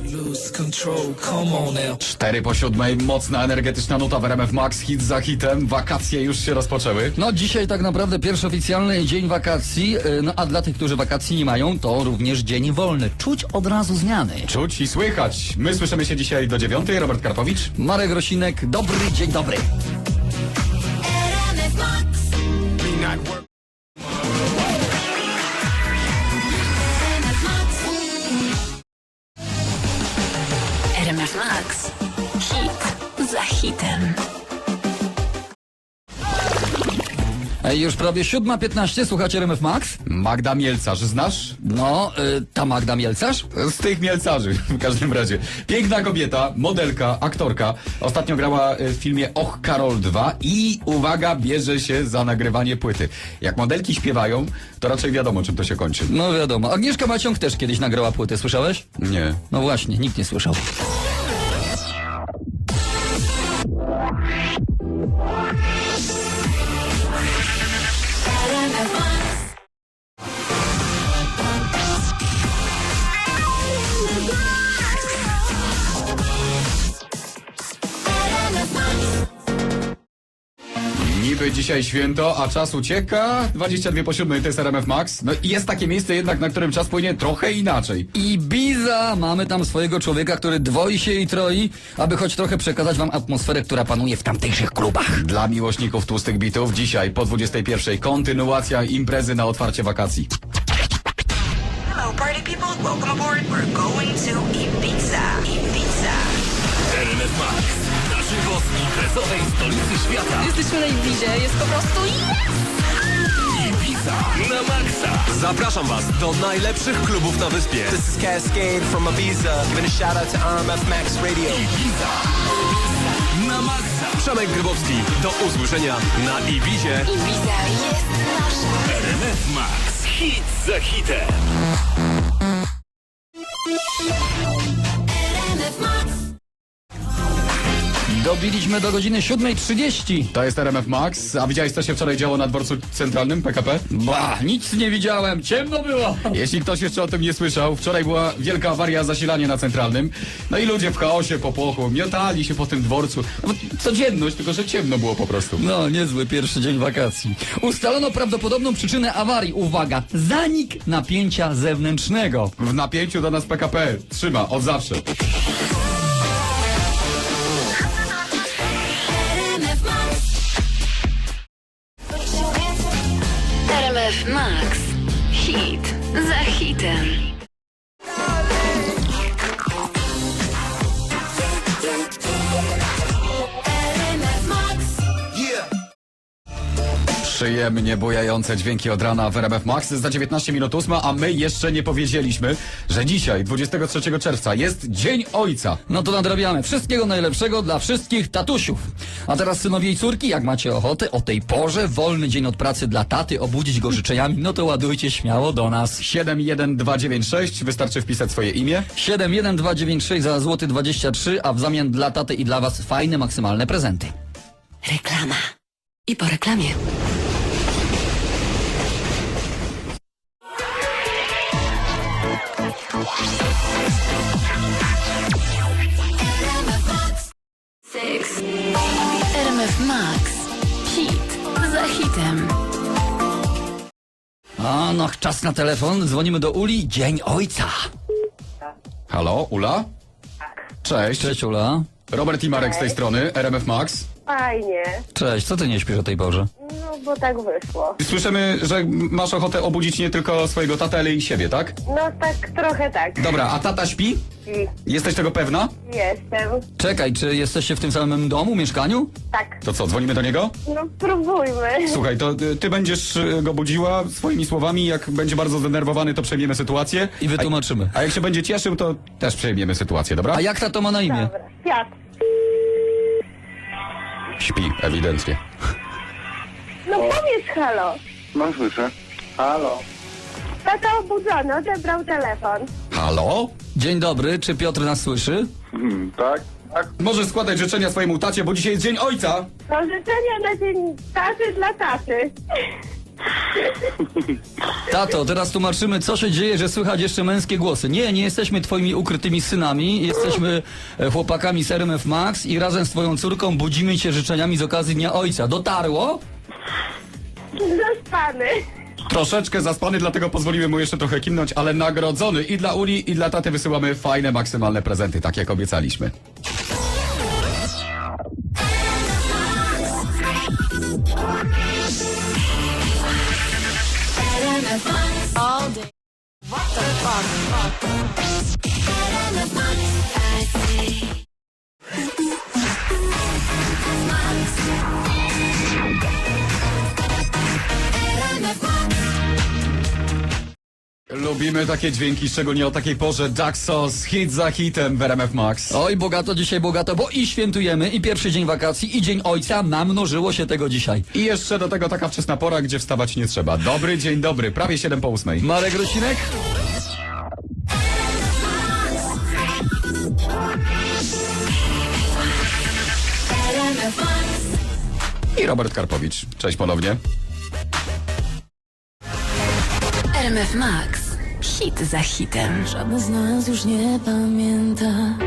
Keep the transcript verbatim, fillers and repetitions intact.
Lose control, come on now. Cztery po siódmej, mocna, energetyczna nuta w R M F Max, hit za hitem, wakacje już się rozpoczęły. No dzisiaj tak naprawdę pierwszy oficjalny dzień wakacji, yy, no a dla tych, którzy wakacji nie mają, to również dzień wolny. Czuć od razu zmiany. Czuć i słychać. My słyszymy się dzisiaj do dziewiątej. Robert Karpowicz. Marek Rosinek, dobry dzień dobry. R M F Max. Hit za hitem. Ej, już prawie siódma piętnaście, słuchacie R M F Max? Magda Mielcarz, znasz? No, yy, ta Magda Mielcarz? Z tych Mielcarzy, w każdym razie. Piękna kobieta, modelka, aktorka. Ostatnio grała w filmie Och, Karol dwa i uwaga, bierze się za nagrywanie płyty. Jak modelki śpiewają, to raczej wiadomo, czym to się kończy. No wiadomo. Agnieszka Maciąg też kiedyś nagrała płytę, słyszałeś? Nie. No właśnie, nikt nie słyszał. Niby dzisiaj święto, a czas ucieka. dwadzieścia dwie po siódmej, to jest R M F Max. No i jest takie miejsce jednak, na którym czas płynie trochę inaczej. Ibiza! Mamy tam swojego człowieka, który dwoi się i troi, aby choć trochę przekazać wam atmosferę, która panuje w tamtejszych klubach. Dla miłośników tłustych bitów dzisiaj po dwudziestej pierwszej kontynuacja imprezy na otwarcie wakacji. Hello, party people. Welcome aboard. We're going to Ibiza. Ibiza. R M F Max. Na żywo z imprezowej stolicy świata. Jesteśmy na Ibizie, jest po prostu Ibiza na maksa. Zapraszam Was do najlepszych klubów na wyspie. This is Cascade from Ibiza. Giving a shout out to R M F Max Radio. Ibiza na maksa. Przemek Grybowski. Do usłyszenia na Ibizie. Ibiza jest nasza. R M F Max. Hit za hitem. Dobiliśmy do godziny siódmej trzydzieści. To jest R M F Max. A widziałeś, co się wczoraj działo na dworcu centralnym P K P? Ba, nic nie widziałem, ciemno było. Jeśli ktoś jeszcze o tym nie słyszał, wczoraj była wielka awaria, zasilanie na centralnym. No i ludzie w chaosie, popłochu, miotali się po tym dworcu. No, codzienność, tylko że ciemno było po prostu. No, niezły pierwszy dzień wakacji. Ustalono prawdopodobną przyczynę awarii. Uwaga, zanik napięcia zewnętrznego. W napięciu do nas P K P trzyma od zawsze. R M F Max. Hit za hitem. Przyjemnie bujające dźwięki od rana w R M F Max. Za dziewiętnaście minut ósma, a my jeszcze nie powiedzieliśmy, że dzisiaj, dwudziestego trzeciego czerwca, jest Dzień Ojca. No to nadrabiamy. Wszystkiego najlepszego dla wszystkich tatusiów. A teraz synowie i córki, jak macie ochotę, o tej porze, wolny dzień od pracy dla taty, obudzić go życzeniami, no to ładujcie śmiało do nas. siedem jeden dwa dziewięć sześć, wystarczy wpisać swoje imię. siedem jeden dwa dziewięć sześć za złoty dwadzieścia trzy, a w zamian dla taty i dla was fajne, maksymalne prezenty. Reklama. I po reklamie. Six. R M F Max. Hit za hitem. A no, czas na telefon. Dzwonimy do Uli. Dzień Ojca. Halo, Ula? Cześć. Cześć, Ula. Robert i Marek z tej strony, R M F Max. Fajnie, Cześć, co ty nie śpisz o tej porze? no bo tak wyszło. Słyszymy, że masz ochotę obudzić nie tylko swojego tatę, ale i siebie, tak? No tak trochę tak. Dobra, a tata śpi? I Jesteś tego pewna? jestem. Czekaj, czy jesteście w tym samym domu, mieszkaniu? Tak, To co, dzwonimy do niego? no próbujmy. Słuchaj, to y, ty będziesz y, go budziła swoimi słowami, jak będzie bardzo zdenerwowany, to przejmiemy sytuację. I wytłumaczymy. A, a jak się będzie cieszył, to też przejmiemy sytuację, dobra? A jak tato ma na imię? Dobra, świat. Śpi, ewidentnie. No powiedz halo. No słyszę. Halo. Tata obudzony, odebrał telefon. Halo? Dzień dobry, czy Piotr nas słyszy? Hmm, tak? Tak. Możesz składać życzenia swojemu tacie, bo dzisiaj jest Dzień Ojca. To życzenia na dzień taty dla taty. Tato, teraz tłumaczymy, co się dzieje, że słychać jeszcze męskie głosy. Nie, nie jesteśmy twoimi ukrytymi synami, jesteśmy e, chłopakami z R M F Max i razem z twoją córką budzimy cię życzeniami z okazji Dnia Ojca. Dotarło? Zaspany. Troszeczkę zaspany, dlatego pozwolimy mu jeszcze trochę kimnąć, ale nagrodzony. I dla Uli, i dla taty wysyłamy fajne, maksymalne prezenty, tak jak obiecaliśmy. Lubimy takie dźwięki, szczególnie o takiej porze. Jacksos, hit za hitem w R M F Max. Oj, bogato dzisiaj, bogato, bo i świętujemy, i pierwszy dzień wakacji, i Dzień Ojca. Namnożyło się tego dzisiaj. I jeszcze do tego taka wczesna pora, gdzie wstawać nie trzeba. Dobry dzień dobry, prawie siedem po ósmej. Marek Rosinek? I Robert Karpowicz. Cześć ponownie. R M F Max. Hit za hitem. Żadne z nas już nie pamięta,